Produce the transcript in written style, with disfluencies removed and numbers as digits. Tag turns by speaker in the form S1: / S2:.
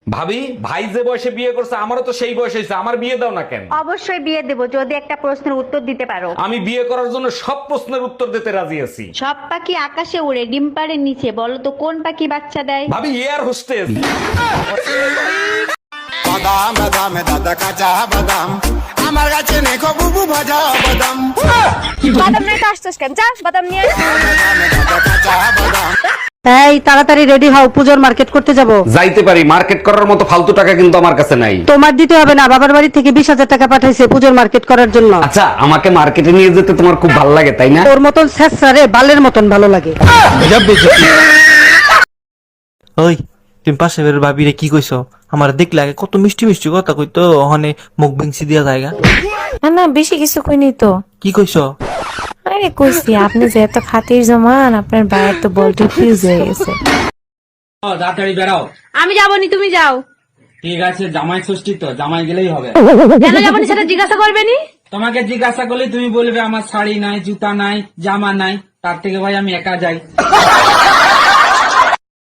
S1: ভাবি, ভাই যে বয়সে বিয়ে করছে আমারও তো সেই বয়স হয়েছে, আমার বিয়ে দাও না কেন?
S2: অবশ্যই বিয়ে দেবো যদি একটা প্রশ্নের উত্তর দিতে পারো।
S1: আমি বিয়ে করার জন্য সব প্রশ্নের উত্তর দিতে রাজি আছি।
S2: সব পাখি আকাশে উড়ে, ডিম পাড়ে নিচে, বলো তো কোন পাখি বাচ্চা দেয়?
S1: ভাবি, এয়ার হোস্টেস।
S3: বাদাম বাদাম দাদা কাঁচা বাদাম আমার কাছে নেখো বুবু ভাজা বাদাম
S4: বাদাম নিয়ে আসছিস কেন? যা বাদাম নিয়ে আয়।
S3: দাদা কাঁচা বাদাম
S5: এই তাড়াতাড়ি রেডি হও, পূজোর মার্কেট করতে যাব।
S1: যাইতে পারি, মার্কেট করার মতো ফালতু টাকা কিন্তু আমার কাছে নাই।
S5: তোমার দিতে হবে না, বাবার বাড়ি থেকে 20,000 টাকা পাঠাইছে পূজোর মার্কেট করার জন্য।
S1: আচ্ছা, আমাকে মার্কেটে নিয়ে যেতে তোমার খুব ভালো লাগে তাই না?
S5: ওর মতন স্যাঁচড়ারে বালের মতন ভালো লাগে।
S6: ওই তুমি পাশে বের ভাবিরে কি কইছো? আমার দেখলে আগে কত মিষ্টি মিষ্টি কথা কইতো, ওখানে মুখ ভেঙছি দিয়া জায়গা।
S4: না না, বেশি কিছু কইনি তো।
S6: কি কইছো?
S4: আরে কইছি আপনি যে এত খাতির জমান, আপনার বাইরে তো বলটি ফিউজ হয়ে গেছে।
S7: তাড়াতাড়ি বেড়াও।
S4: আমি যাবনি, তুমি যাও।
S7: ঠিক আছে, জামাই ষষ্ঠী তো, জামাই গেলেই হবে।
S4: কেন যাবনি সেটা জিজ্ঞাসা করবেনি?
S7: তোমাকে জিজ্ঞাসা করলে তুমি বলবে আমার শাড়ি নাই, জুতা নাই, জামা নাই, তার থেকে ভাই আমি একা যাই।